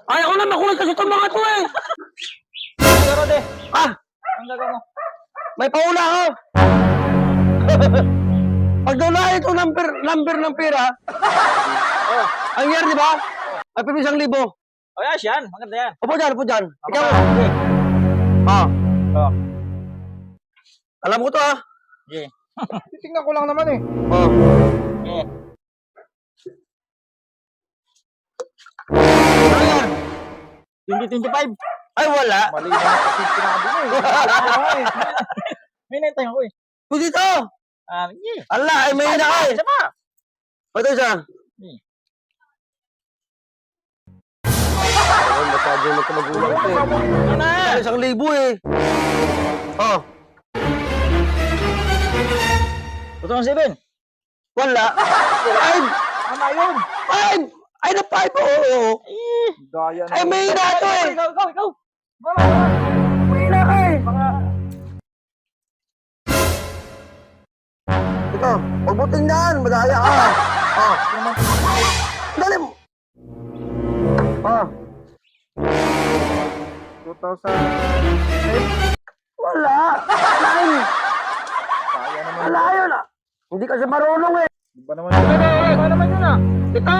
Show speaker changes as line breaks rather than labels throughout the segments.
Ayaw ko na makulit kasi itong mga to eh.
Ano garo, de?
Ah,
Ang gagawin mo?
may paula ako. Pag doon ito number ng pera,
Oh.
ang year, di ba? Ay, pero 1,000.
Oh, yes, yan. Maganda yan.
Upo dyan, upo dyan. Ikaw.
Sige.
Ah,
Oh.
alam ko to ah.
Sige.
Titingnan ko lang naman eh.
Oh.
Sige.
Ano yan?
2025.
Ay, wala.
Mali na kasi sinabi mo eh.
May naintay ako eh.
Pwede ito.
Sige.
Ala, ay may na ka eh.
Isa pa.
Ito isa. Ay, masyado yung magkamagulang ito eh.
Ano na?
Ay, 1,000 eh. Oh,
2007.
wala. Ay,
Tama yun.
ay, ay na 5, oo.
Eh.
Gaya na.
Ay, may na ito eh.
Ikaw.
May na ka eh. Ito, huwag mo tingnan, madaya ka. Oh, dali mo. Oh,
2008.
wala. Nine.
Kaya naman.
Wala yun ah. Hindi kasi marunong eh.
Di ba naman yun? Kaya naman yun ah.
Ito.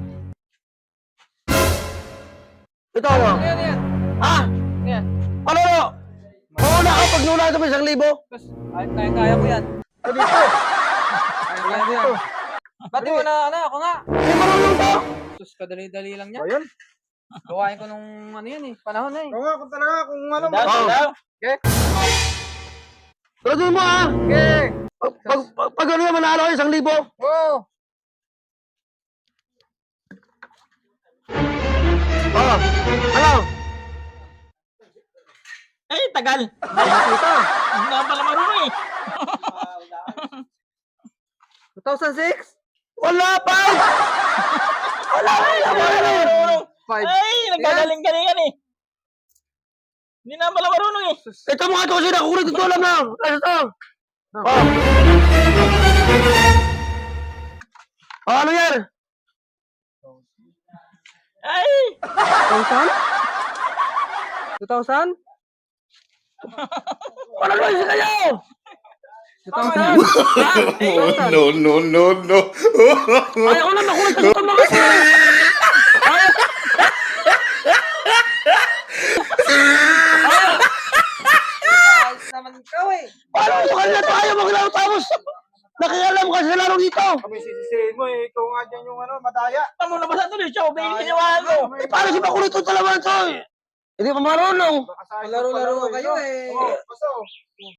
Ito ano?
Yan.
Ah,
Yan.
ano no? Mauna ka pag nula ito may 1,000.
Kaya ko yan.
Dito.
Kaya ko yan. Ba't di mo na, ako nga?
Hindi marunong to.
Sus, kadali-dali lang niya.
Ayun.
Gawain ko nung ano yan eh, panahon na eh.
Oo nga, kung talaga, kung ano.
Daw.
Tuloy mo ah.
Okay.
Pag ano naman manalo kayo 1,000.
Oo.
Oh, ano?
Ay, tagal.
Nakita.
Hindi na pala marunong eh.
2006?
Wala pa. Wala na.
Five.
Ay, nagkagaling-galingan eh. Hindi na pala marunong eh.
Ito mga to kasi nakukulit ito alam na. Ito. Oh. Oh, ano yan?
Ay!
2000?
Wala na isa kayo.
2000?
No.
Ayaw ko na makulit kasi ito mga to.
Ayos naman ikaw eh.
Paano ito kanina to? Ayaw maglaro tapos nakialam ka sa laro dito.
Kami sisisihin mo eh. Ikaw nga dyan yung ano, madaya.
Tamo na ba sa tuloy siya? May ginawa mo.
Eh, paano si makulit ito talaga to eh? Hindi pa marunong.
Baka sa
Laro-laro kayo eh.
Oo, basta.